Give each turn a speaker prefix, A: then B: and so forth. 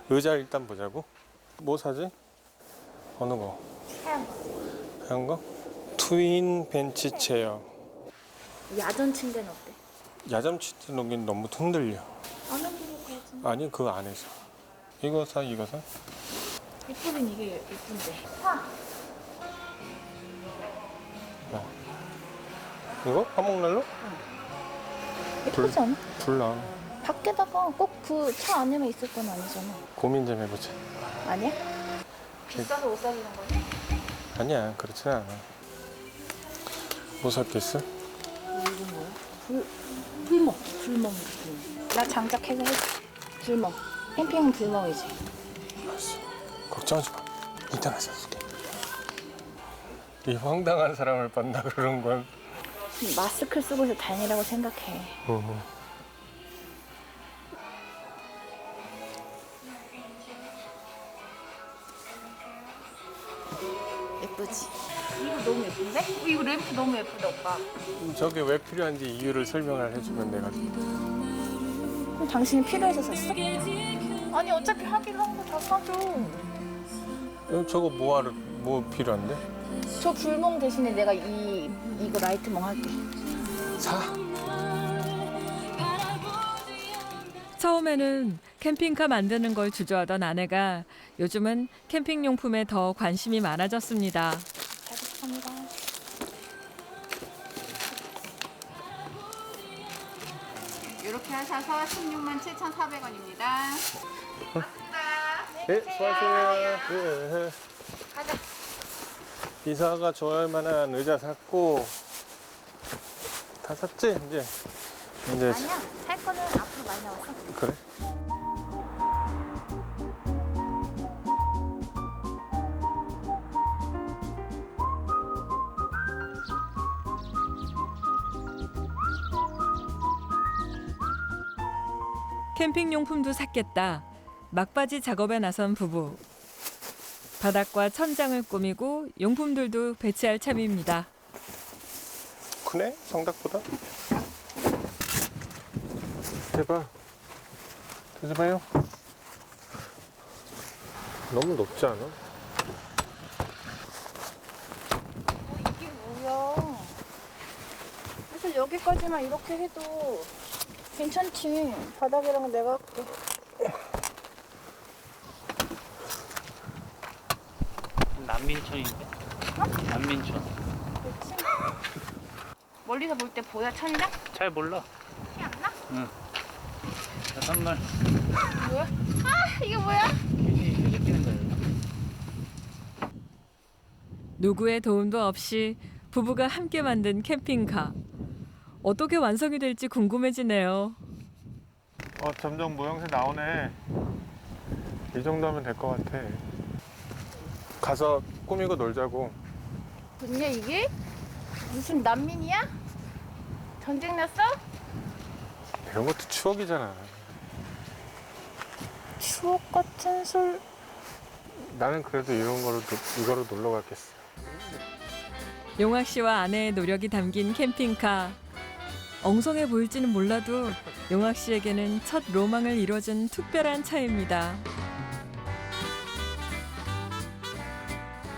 A: 의자 일단 보자고. 뭐 사지? 어느 거?
B: 하얀 거.
A: 하얀 거? 트윈 벤치 체어.
B: 야전 침대는 어때?
A: 야잠 치트 놓긴 너무 흔들려.
B: 안 흔들릴 것 같은데.
A: 아니 그 안에서. 이거 사, 이거 사?
B: 예쁘긴 이게 예쁜데. 사.
A: 이거? 화목난로?
B: 예쁘지 않아?
A: 불나.
B: 밖에다가 꼭 그 차 안에만 있을 건 아니잖아.
A: 고민 좀 해보자.
B: 아니야? 비싸서 못 사주는 거지?
A: 아니야, 그렇진 않아. 뭐 샀겠어?
B: 이건 뭐야? 불멍. 불멍. 나 장작해서 해줄게. 불멍. 캠핑은 불멍이지.
A: 알았어. 걱정하지 마. 이따가 사줄게. 이 황당한 사람을 만나 그러는 건.
B: 마스크를 쓰고 있어 다행이라고 생각해. 예쁘지? 이거 너무 예쁜데? 이거 램프 너무 예쁘다 오빠.
A: 저게 왜 필요한지 이유를 설명을 해주면 내가.
B: 그럼 당신이 필요해서 샀어? 아니 어차피 하기로 한 거 다 사줘.
A: 저거 뭐 필요한데?
B: 저 불멍 대신에 내가 이거 라이트멍 할게.
A: 사.
C: 처음에는 캠핑카 만드는 걸 주저하던 아내가 요즘은 캠핑 용품에 더 관심이 많아졌습니다.
B: 잘 부탁합니다.
D: 이렇게 하셔서 167,400원입니다.
A: 네, 수고하세요. 네.
B: 가자.
A: 이사가 좋아할 만한 의자 샀고 다 샀지 이제.
B: 아니야 살 거는 앞으로 많이 나왔어.
A: 그래?
C: 캠핑 용품도 샀겠다. 막바지 작업에 나선 부부. 바닥과 천장을 꾸미고 용품들도 배치할 참입니다.
A: 크네? 성닭보다? 대박. 드셔봐요. 너무 높지 않아?
B: 이게 뭐야? 사실 여기까지만 이렇게 해도 괜찮지. 바닥이랑 내가 할게.
E: 난민촌인데? 난민촌.
B: 그렇지? 멀리서 볼 때 보여 천이랑?
E: 잘 몰라.
B: 티 안 나?
E: 응. 자, 선물.
B: 뭐야? 아 이게 뭐야?
E: 휴지 끼는 거예요.
C: 누구의 도움도 없이 부부가 함께 만든 캠핑카. 어떻게 완성이 될지 궁금해지네요.
A: 점점 모양새 나오네. 이 정도면 될 것 같아. 가서 꾸미고 놀자고.
B: 뭐냐 이게? 무슨 난민이야? 전쟁 났어?
A: 이런 것도 추억이잖아.
B: 추억 같은 술.
A: 나는 그래도 이거로 놀러 갔겠어.
C: 용학 씨와 아내의 노력이 담긴 캠핑카. 엉성해 보일지는 몰라도 용학 씨에게는 첫 로망을 이뤄준 특별한 차입니다.